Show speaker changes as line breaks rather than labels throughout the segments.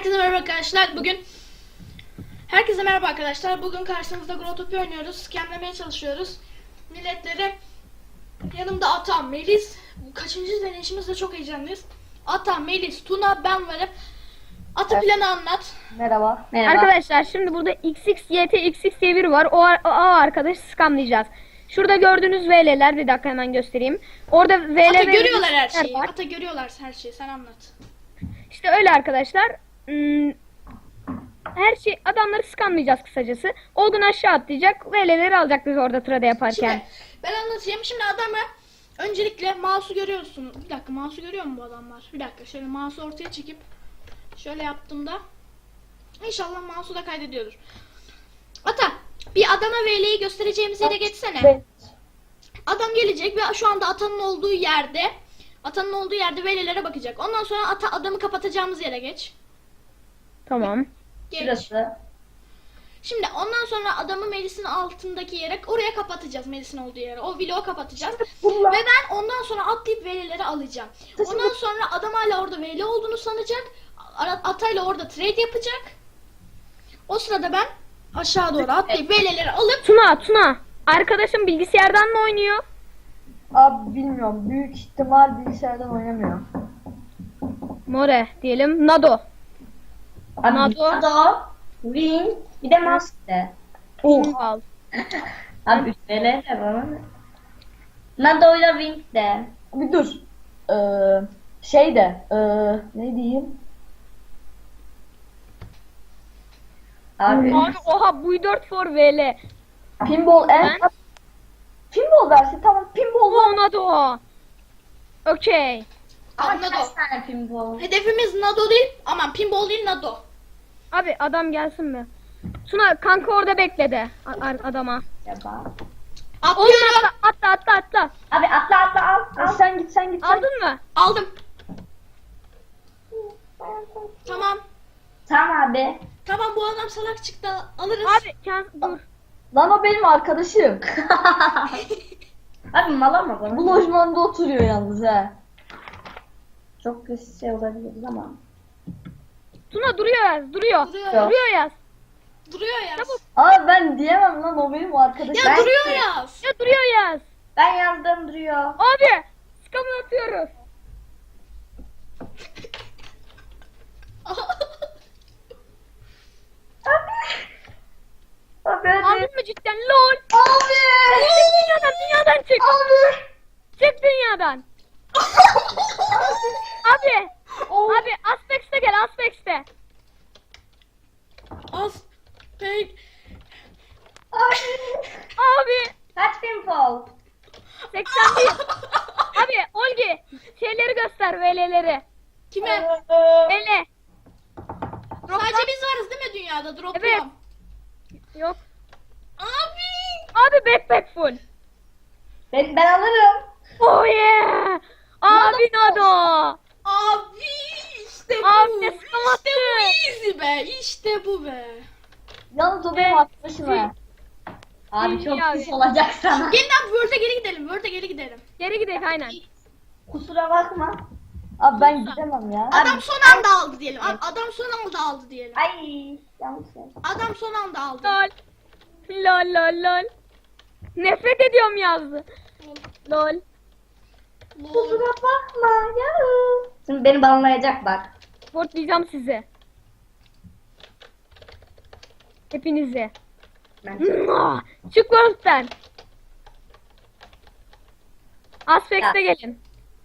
Herkese merhaba arkadaşlar. Herkese merhaba arkadaşlar. Bugün karşınızda Growtopia oynuyoruz. Scamlemeye çalışıyoruz. Milletleri yanımda Ata, Melis. Bu kaçıncı deneyişimizde çok heyecanlıyız. Ata, Melis, Tuna, ben varım. Ata planı anlat.
Merhaba.
Arkadaşlar şimdi burada XXYT diye biri var. O arkadaşı scamlayacağız. Şurada gördüğünüz VL'ler, bir dakika hemen göstereyim. Orada VL
Ata görüyorlar her şeyi.
var.
Ata görüyorlar her şeyi. Sen anlat.
İşte öyle arkadaşlar. Her şey, adamları scamlayacağız kısacası. Olgun aşağı atlayacak. VL'leri alacak biz orada trade yaparken.
Şimdi ben anlatayım. Şimdi adamı öncelikle mouse'u görüyorsun. Bir dakika, mouse'u görüyor mu bu adamlar? Bir dakika, şöyle mouse'u ortaya çekip şöyle yaptığımda İnşallah mouse'u da kaydediyordur. Ata, bir adama VL'yi göstereceğimiz yere geçsene.
Evet.
Adam gelecek ve şu anda Ata'nın olduğu yerde VL'lere bakacak. Ondan sonra adamı kapatacağımız yere geç.
Tamam.
Geç.
Şurası.
Şimdi ondan sonra adamı Melis'in altındaki yere, oraya kapatacağız, Melis'in olduğu yere. O vlogu kapatacağız.
Bunlar-
Ve ben ondan sonra atlayıp VL'leri alacağım. Ondan sonra adam hala orada VL olduğunu sanacak. Atayla orada trade yapacak. O sırada ben aşağı doğru atlayıp VL'leri alıp
Tuna. Arkadaşım bilgisayardan mı oynuyor?
Abi bilmiyorum. Büyük ihtimal bilgisayardan oynamıyor.
More diyelim. Nado.
Abi
Nado.
Nado, Wing, bir de Master.
Al.
Abi üstleri de var. Nado'yla Wing de.
Bir dur. Ne diyeyim?
Abi
Abi oha bu 4 for VL.
Pinball
Ben-
Pinball versin. Tamam pinball var.
Oh Nado. Okey.
ama
Nado.
kaç tane pinball?
Hedefimiz Nado değil, aman pinball değil, Nado.
Abi adam gelsin mi? Tuna kanka orada bekle de adama.
Acaba?
Oğlum
Atlıyorum.
atla.
Abi atla al.
Sen git.
Aldın mı?
Aldım. Tamam.
Tamam abi.
Tamam, bu adam salak çıktı, alırız.
Abi dur.
Lan o benim arkadaşım.
Abi mala mı bana?
Bu lojmanda oturuyor yalnız he.
Çok kötü şey olabilir ama.
Tuna duruyor.
Duruyor.
Duruyor yaz.
Duruyor ya.
Çabuk.
Ama ben diyemem lan o benim arkadaşım.
Ya
Ben-
duruyor ya.
Ya duruyor yaz.
Ben yazdım duruyor.
Abi scam atıyoruz.
Abi hadi.
Aldın mı cidden? LOL.
Abi.
Dünyadan çık.
Abi.
Çık dünyadan. Abi. Abi Aspex'te gel Aspex'te.
Az. Pek.
Abi.
Kaç pinball?
81. Abi Olgi şeyleri göster VL'leri.
Kime?
VL.
Sadece biz varız değil mi dünyada? Dropluyorum.
Yok.
Abi.
Abi backpack full.
Ben alırım.
Oh yeah. Abi Nado.
Abi işte bu.
Abi ne scam
İşte bu
attı.
easy be. İşte bu be.
Yalnız o benim arkadaşım he.
Abi çok
Abi.
pis olacak sana.
Gelin abi Word'e geri gidelim. Word'e geri gidelim.
Geri gidelim aynen.
Kusura bakma.
Abi ben gidemem ya.
Adam son anda aldı diyelim. Adam son anda aldı diyelim.
Ay yanlış şey.
Adam son anda aldı.
Lol. Lol. Nefret ediyorum yazdı. Lol.
Kusura bakma ya. Şimdi beni banlayacak bak.
Sportlayacağım sizi. Hepinizi.
Ben
Çık World'den. Aspex'te gelin.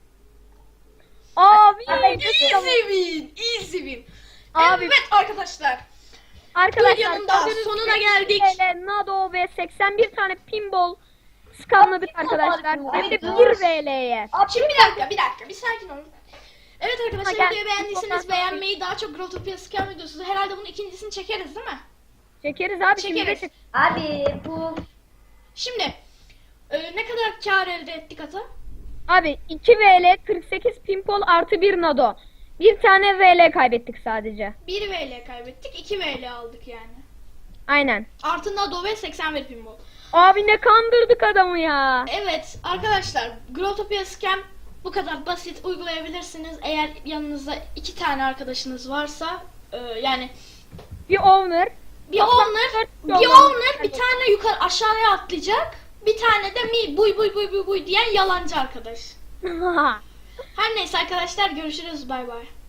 Abi.
Easy win. Easy win.
Abi.
Evet arkadaşlar.
Arkadaşlar
Videonun da
gördüğünüz
sonuna
gibi
geldik.
VL, Nado ve 81 tane pinball scamladık arkadaşlar. Hem de 1 VL'ye.
Şimdi bir dakika. Bir sakin olun. Evet arkadaşlar,
Ha, gel.
videoyu beğendiyseniz
Çok
beğenmeyi, daha çok Growtopia Scam videosu. Herhalde bunun ikincisini çekeriz değil mi?
Çekeriz abi şimdi de
Çekeriz.
çek.
Abi bu
Şimdi ne kadar kar elde ettik Ata?
Abi 2 VL 48 pinball artı 1 Nado. Bir tane VL kaybettik sadece.
1 VL kaybettik, 2 VL aldık yani.
Aynen.
Artı Nado ve 81 pinball.
Abi ne kandırdık adamı ya.
Evet arkadaşlar, Growtopia Scam bu kadar basit, uygulayabilirsiniz. Eğer yanınızda 2 tane arkadaşınız varsa Yani
Bir owner.
bir owner, bir tane yukarı aşağıya atlayacak. Bir tane de buy diyen yalancı arkadaş. Her neyse arkadaşlar, görüşürüz, bay bay.